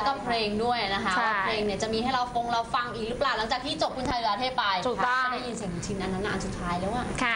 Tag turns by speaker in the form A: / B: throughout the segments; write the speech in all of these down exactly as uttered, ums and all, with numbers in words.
A: ก็เพลงด้วยนะคะว่าเพลงเนี่ยจะมีให้เราฟงเราฟังอีกหรือเปล่าหลังจากที่จบคุณชายเหลือเทพไป
B: ถูกต้อง
A: ได้ยินเสียงชินอันนั้นอันสุดท้ายแล้วอะ
B: ค่ะ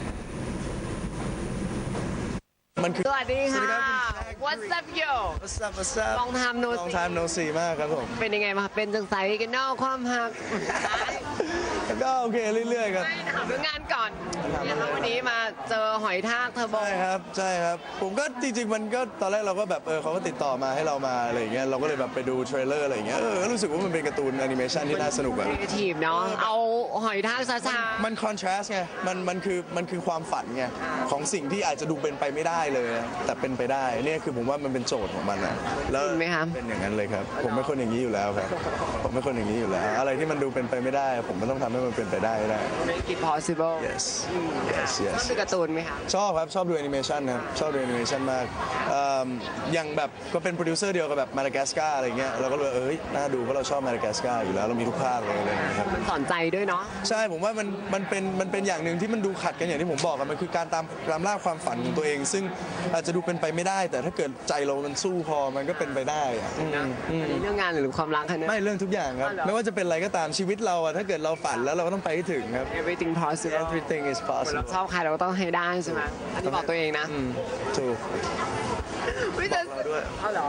C: มันคือ
B: สวัสดีค่ะ What's up yo
C: What's up What's up
B: Long time no see
C: Long time no see มากครับผม
B: เป็นยังไงมาเป็นจังไสกันนอกความหัก
C: ก็โอเคเรื่อยๆครับ
B: ถามเรื่องงานก่อนนะคะวันนี้มาเจอหอยทากเทอร์โบ
C: ใช่ครับใช่ครับผมก็จริงๆมันก็ตอนแรกเราก็แบบเออเขาก็ติดต่อมาให้เรามาอะไรอย่างเงี้ยเราก็เลยแบบไปดูเทรลเลอร์อะไรอย่างเงี้ยเออรู้สึกว่ามันเป็นการ์ตูนแอนิเมชันที่น่าสนุกแบบ
B: ครีเอทีฟเนาะเอาหอยทากซาซา
C: มันคอนทราสต์ไงมันมันคือมันคือความฝันไงของสิ่งที่อาจจะดูเป็นไปไม่ได้เลยแต่เป็นไปได้เนี่ยคือผมว่ามันเป็นโจทย์ของมันนะแล้วเป็นอย่างนั้นเลยครับผมเป็นคนอย่างนี้อยู่แล้วครับผมเป็นคนอย่างนี้อยู่แล้วอะไรที่มันดูเป็นไปไม่ได้ผมก็ต้องทำให้มันเป็นไปได้ได้
B: Make it possible
C: yes yes yes
B: ชอบดูการ์ตูนไหมคะ
C: ชอบครับชอบดูแอนิเมชันครับชอบดูแอนิเมชันมากอย่างแบบก็เป็นโปรดิวเซอร์เดียวกับแบบมาดากัสการ์อะไรเงี้ยเราก็เลยเอ้ยน่าดูเพราะเราชอบมาดากัสการ์อยู่แล้วเรามีทุกภาคเลยอะไรเงี้ยครับ
B: มันสอนใจด้วยเนาะ
C: ใช่ผมว่ามันมันเป็นมันเป็นอย่างหนึ่งที่มันดูขัดกันอย่างที่ผมบอกกันมันคือการตามตามล่าความฝันของตัวเองซึ่งอาจจะดูเป็นไปไม่ได้แต่ถ้าเกิดใจเรามันสู้พอมันก็เป็นไปได้
B: อันนี้เรื่องงานหรือความรักคะเนี่ย
C: ไม่เรื่องทุกอย่างครับไม่ว่าจะเป็นอะไรก็ตามชีวิตเราอะถ้าเกิดเราฝันแล้วเราก็ต้องไปให้ถึงครับ
B: everything possible
C: everything is possible
B: เราชอบใครเราก็ต้องให้ได้ใช่ไหมอันนี้บอกตัวเองนะ
C: ถูก
B: ไม่เจอด้วยเอาเหรอ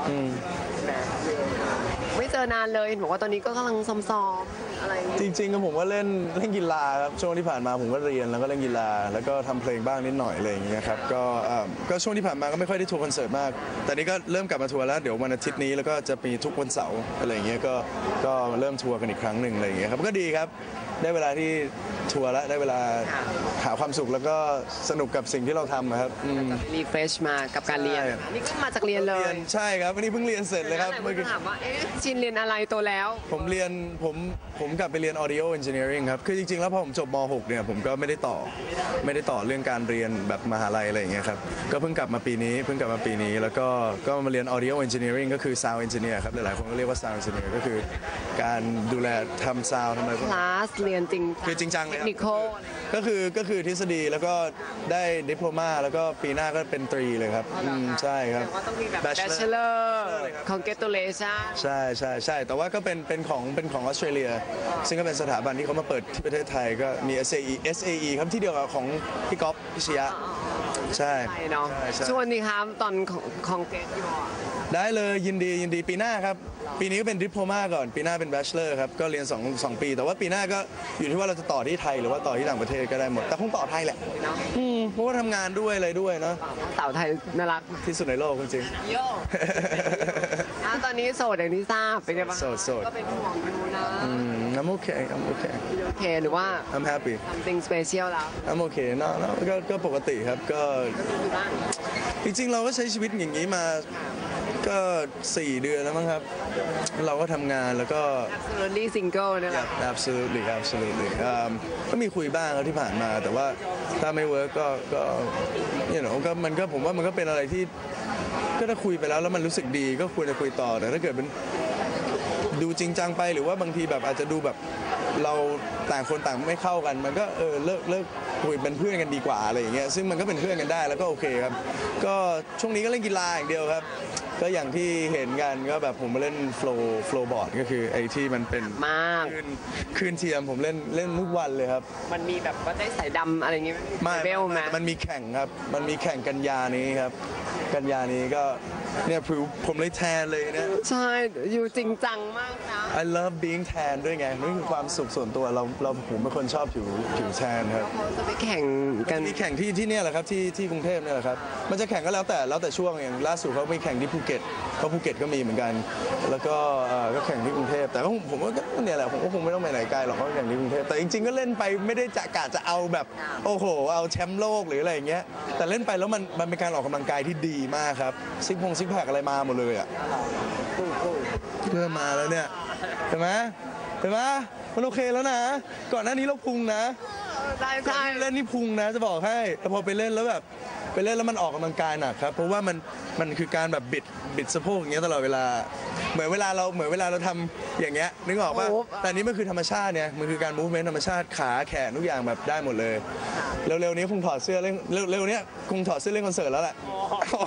B: ไม่เจอนานเลยบอกว่าตอนนี้ก็กำลังซ้อมๆอะไร
C: จริงๆก็ผมว่าเล่นเล่นกีฬาครับช่วงที่ผ่านมาผมก็เรียนแล้วก็เล่นกีฬาแล้วก็ทำเพลงบ้างนิดหน่อยอะไรอย่างเงี้ยครับก็ก็ช่วงที่ผ่านมาก็ไม่ค่อยได้ทัวร์คอนเสิร์ตมากแต่นี้ก็เริ่มกลับมาทัวร์แล้วเดี๋ยววันอาทิตย์นี้แล้วก็จะมีทุกวันเสาร์อะไรอย่างเงี้ยก็ก็เริ่มทัวร์กันอีกครั้งหนึ่งอะไรอย่างเงี้ยครับก็ดีครับได้เวลาที่ทัวร์แล้วได้เวลาหาความสุขแล้วก็สนุกกับสิ่งที่เราทำครับ
B: รีเฟรชมากับการเรียนนี่ก็มาจากเรียนเลย
C: ใช่ครับวันนี้เพิ่งเรียนเสร็จเลยครับ
B: เมื่อกี้ถามว่าเอ๊ะชินเรียนอะไรโตแล้ว
C: ผมเรียนผมผมกลับไปเรียน audio engineering ครับคือจริงๆแล้วพอผมจบม หกเนี่ยผมก็ไม่ได้ต่อไม่ได้ต่อเรื่องการเรียนแบบมหาลัยอะไรอย่างเงี้ยครับก็เพิ่งกลับมาปีนี้เพิ่งกลับมาปีนี้แล้วก็ก็มาเรียน audio engineering ก็คือ sound engineer ครับหลายๆคนก็เรียกว่า sound engineer ก็คือการดูแลทำ sound ทำอะไรพวกนี้
B: คลาสเรียนจริง
C: คือจริงจังเลย
B: เทคนิค
C: ก็คือก็คือทฤษฎีแล้วก็ได้ดิโพลมาแล้วก็ปีหน้าก็เป็นตรีเลยครับใช่ครับ
B: ต้องมีแบบ bachelor congratulation
C: ใช่ใช่ใช่แต่ว่าก็เป็นเป็นของเป็นของออสเตรเลียซึ่งก็เป็นสถาบันที่เขามาเปิดที่ประเทศไทยก็มี เอส เอ อี เอส เอ อี ครับที่เดียวกับของพี่ก๊อฟพิชยะใช่
B: เนาะชวนดีครับตอนของเกตอยู่
C: ได้เลยยินดียินดีปีหน้าครับปีนี้ก็เป็นดิโพลมาก่อนปีหน้าเป็นแบชเลอร์ครับก็เรียนสอง สองปีแต่ว่าปีหน้าก็อยู่ที่ว่าเราจะต่อที่ไทยหรือว่าต่อที่ต่างประเทศก็ได้หมดแต่คงต่อไทยแหละอืมเพราะว่าทำงานด้วยอะไรด้วยเนาะ
B: สาวไทยน่ารัก
C: ที่สุดในโลกจริง
B: โย่ตอนนี้โสดอย่างที่ทราบเป็นไงบ้าง
C: โสดโสด
B: ก็เป็นห่วงดูนะ
C: อืม I'm okay I'm okay
B: โอเคหรือว่า
C: I'm happy
B: something special แล้ว
C: I'm okay เนาะก็ก็ปกติครับก็จริงๆเราก็ใช้ชีวิตอย่างนี้มาก็สี่เดือนแล้วมั้งครับเราก็ทำงานแล้วก็
B: absolutely single นี่แหละ
C: absolutely absolutely ก็มีคุยบ้างครับที่ผ่านมาแต่ว่าถ้าไม่เวิร์กก็ก็เนี่ยหนูก็มันก็ผมว่ามันก็เป็นอะไรที่ก็ถ้าคุยไปแล้วแล้วมันรู้สึกดีก็ควรจะคุยต่อแต่ถ้าเกิดเป็นดูจริงจังไปหรือว่าบางทีแบบอาจจะดูแบบเราต่างคนต่างไม่เข้ากันมันก็เออเลิกเลิกคุยเป็นเพื่อนกันดีกว่าอะไรอย่างเงี้ยซึ่งมันก็เป็นเพื่อนกันได้แล้วก็โอเคครับก็ช่วงนี้ก็เล่นกีฬาอย่างเดียวครับก็อย่างที่เห็นกันก็แบบผมมาเล่นโฟล์โฟล์บอร์ดก็คือไอ้ที่มันเป็น
B: มาก
C: คืนคืนเทียมผมเล่นเล่นทุกวันเลยครับ
B: มันมีแบบว่าได้สายดำอะไรอย่างเงี้ย
C: ไม่เบลมามันมีแข่งครับมันมีแข่งกันยานี้ครับกันยานี้ก็เนี่ยผิวผมเลยแทนเลยนะ
B: ใช่อยู่จริงจังมากนะ
C: I love being tan ด้วยไงนี่คือความสุขส่วนตัวเราเราผมเป็นคนชอบผิวผิวแทนครับ
B: เขาจะไปแข่งกัน
C: มีแข่งที่ที่เนี่ยแหละครับที่ที่กรุงเทพเนี่ยแหละครับมันจะแข่งก็แล้วแต่แล้วแต่ช่วงอย่างล่าสุดเขามีแข่งที่ภูเก็ตเพราะภูเก็ตก็มีเหมือนกันแล้วก็ก็แข่งที่กรุงเทพแต่ก็ผมว่าก็เนี่ยแหละผมก็คงไม่ต้องไปไหนไกลหรอกเขาแข่งที่กรุงเทพแต่จริงๆก็เล่นไปไม่ได้จะกะจะเอาแบบโอ้โหเอาแชมป์โลกหรืออะไรอย่างเงี้ยแต่เล่นไปแล้วมันมันเป็นการออกกำลังกายที่ดีมากครับซิกพงซิกแพคอะไรมาหมดเลยอ่ะเริ่มมาแล้วเนี่ยเห็นไหมเห็นไหมมันโอเคแล้วนะก่อนหน้านี้เราพุงนะ
B: ใช่ใช่
C: เล่นนี่พุงนะจะบอกให้แต่พอไปเล่นแล้วแบบไปเล่นแล้วมันออกกำลังกายหนักครับเพราะว่ามันมันคือการแบบบิดบิดสะโพกอย่างเงี้ยตลอดเวลาเหมือนเวลาเราเหมือนเวลาเราทำอย่างเงี้ยนึกออกป่ะแต่นี้มันคือธรรมชาติเนี่ยมันคือการมูฟเมนต์ธรรมชาติขาแขนทุกอย่างแบบได้หมดเลยเร็วๆนี้คงถอดเสื้อเล่นเร็วๆนี้คงถอดเสื้อเล่นคอนเสิร์ตแล้วแหละ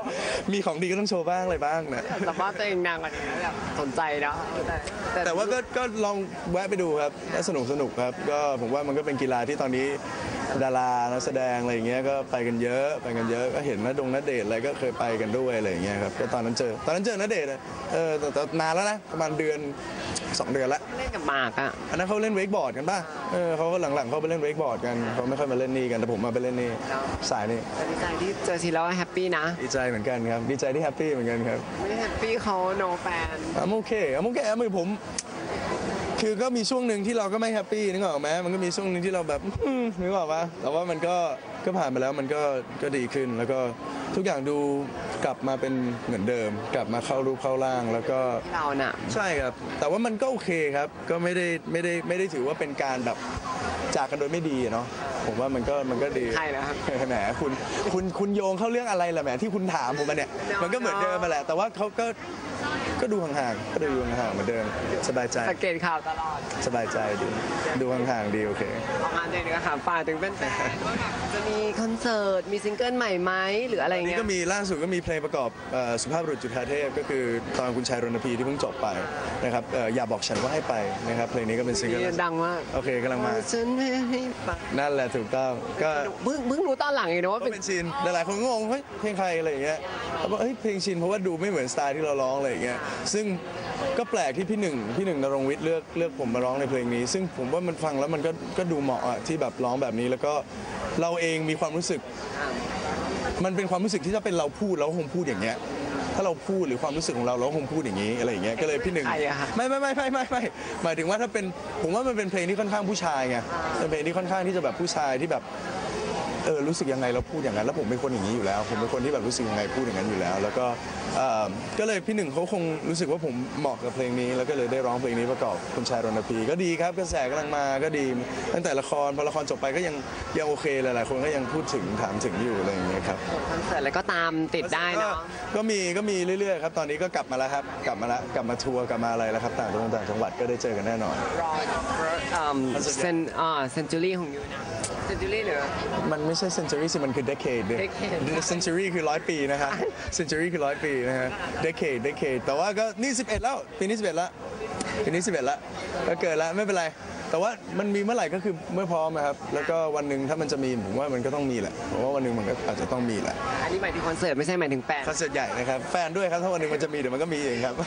C: มีของดีก็ต้องโชว์บ้างอะไรบ้างนะ
B: สัมภาษณ์ตัวเองนางกว่านี้แบบสนใจนะแต่
C: แต่ว่าก็ก็ลองแวะไปดูครับก็สนุกสนุกครับก็ผมว่ามันก็เป็นกีฬาที่ตอนนี้ดารานักแสดงอะไรอย่างเงี้ยก็ไปกันเยอะไปกันเยอะก็เห็นณดงณเดชน์อะไรก็เคยไปกันด้วยอะไรอย่างเงี้ยครับก็ตอนนั้นเจอตอนนั้นเจอณเดชน์อะเออแต่แต่นานแล้วนะประมาณเดือนสองเดือนละ
B: เล่นกับหมากอ่ะ
C: อันนั้นเขาเล่นเวกบอร์ดกันป่ะเออเขาก็หลังๆเขาไปเล่นเวกบอร์ดกันเขาไม่ค่อยมาเล่นนี่กันแต่ผมมาไปเล่นนี่สายนี่
B: แต่ดีใจที่เจอทีแล้วแฮปปี้นะ
C: ดีใจเหมือนกันครับดีใจที่แฮปปี้เหมือนกันครับ
B: ไม่ได้แฮปปี้เขาโนแฟน
C: อ่ะโอเคอ่ะโอเคอ่ะมือผม คือก็มีช่วงหนึ่งที่เราก็ไม่แฮปปี้นึกออกไหมมันก็มีช่วงหนึ่งที่เราแบบอืมนึกออกปะแต่ว่ามันก็ก็ผ่านไปแล้วมันก็ก็ดีขึ้น แล้วก็ทุกอย่างดูกลับมาเป็นเหมือนเดิม กลับมาเข้ารูปเข้าร่างแล้วก็
B: เราน่ะ
C: ใช่ครับ แต่ว่ามันก็โอเคครับ ก็ไม่ได้ไม่ได้ไม่ได้ถือว่าเป็นการแบบจากกันโดยไม่ดีอะเนาะผมว่ามันก็มันก็ดี
B: ใช่แล้วครับ
C: แหมคุณคุณคุณโยงเข้าเรื่องอะไรล่ะแหมที่คุณถามผมมาเนี่ยมันก็เหมือนเดิมมาแหละแต่ว่าเขาก็ก็ดูห่างๆก็ดูห่างๆเหมือนเดิมสบายใจ
B: สังเกตข่าวตลอด
C: สบายใจดีดูห่างๆดีโอเค
B: ออกมาเด็กๆค่ะฝากถึงแฟนๆว่าแบบจะมีคอนเสิร์ตมีซิงเกิลใหม่ไหมหรืออะไร
C: อันนี้
B: เงี้ย
C: ก็มีล่าสุดก็มีเพลงประกอบเอ่อสุภาพบุรุษจุฑาเทพก็คือตอนคุณชายรณพีที่เพิ่งจบไปนะครับเอ่ออย่าบอกฉันว่าให้ไปนะครับเพลงนี้ก็เป็นซิงเกิล
B: ดังมาก
C: โอเคกำลังมา
B: ฉันไม่ให้ไป
C: นั่นแหละถูกต้องก็
B: เพิ่งเพิ่งรู้ตอนหลังเองนะว่า
C: ก็
B: เป็น
C: เป็นชินหลายๆคนก็งงเฮ้ยเพลงใครอะไรอย่างเงี้ยเขาบอกเฮ้ยเพลงชินเพราะว่าดูไม่เหมือนสไตล์ที่เราร้องอะไรอย่างเงี้ยซึ่งก็แปลกที่พี่หนึ่งพี่หนึ่งนรงค์วิทย์เลือกเลือกผมมาร้องในเพลงนี้ ซึ่งผมว่ามันฟังแล้วมันก็ก็ดูเหมาะอะที่แบบร้องแบบนี้แล้วก็เราเองมีความรู้สึก มันเป็นความรู้สึกที่ถ้าเป็นเราพูดเราก็คงพูดอย่างเงี้ยถ้าเราพูดหรือความรู้สึกของเราเราก็คงพูดอย่างนี้อะไรอย่างเงี้ยก็เลยพี่หนึ่ง
B: ใครอะคะ
C: ไม่ไม่ไม่ไม่ไม่ไม่หมายถึงว่าถ้าเป็นผมว่ามันเป็นเพลงที่ค่อนข้างผู้ชายไงเป็นเพลงที่ค่อนข้างที่จะแบบผู้ชายที่แบบเออรู้สึกยังไงเราพูดอย่างนั้นแล้วผมเป็นคนอย่างนี้อยู่แล้ว ผมเป็นคนที่แบบรู้สึกยังไงพูดอย่างนั้นอยู่แล้ว แล้วก็เอ่อก็เลยพี่หนึ่งเขาคงรู้สึกว่าผมเหมาะกับเพลงนี้ แล้วก็เลยได้ร้องเพลงนี้ประกอบคุณชายรณพีก็ดีครับกระแสกำลังมาก็ดีตั้งแต่ละครพอละครจบไปก็ยังยังโอเคหลายๆคนก็ยังพูดถึงถามถึงอยู่อะไรอย่างเงี้ยครับ
B: คอนเสิร์ตอะไรก็ตามติดได้เนาะ
C: ก็มีก็มีเรื่อยๆครับตอนนี้ก็กลับมาแล้วครับกลับมาแล้วกลับมาทัวร์กลับมาอะไรแล้วครับต่างจังหวัดต่างจังหวัดก็ได้เจอกันแน่นอน
B: รอเซนอ่าเซนจูรี่ของยูนะเซนจูรี่หรือ
C: มันไม่ใช่ century สิมันคือ decade เนี่ย
B: Decade
C: century คือร้อยปีนะฮะ century คือร้อยปีนะฮะ decade decade แต่ว่าก็นี่สิบเอ็ดแล้วปีนี้สิบเอ็ดแล้วปีนี้สิบเอ็ดแล้วก็เกิดแล้วไม่เป็นไร แต่ว่ามันมีเมื่อไหร่ก็คือเมื่อพร้อมนะครับแล้วก็วันหนึ่งถ้ามันจะมีผมว่ามันก็ต้องมีแหละผมว่าวันหนึ่งมันก็อาจจะต้องมีแหละ
B: อันนี้หมายถึงคอนเสิร์ตไม่ใช่หมายถึงแฟน
C: คอนเสิร์ตใหญ่นะครับแฟนด้วยครับถ้าวันหนึ่งมันจะมีเดี๋ยวมันก็มีเองครับ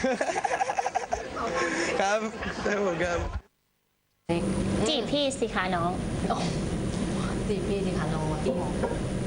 C: ครับได้ผมครับ
D: จีบพี่สิคะน้อง
A: ตีพี่สิคะน้องตี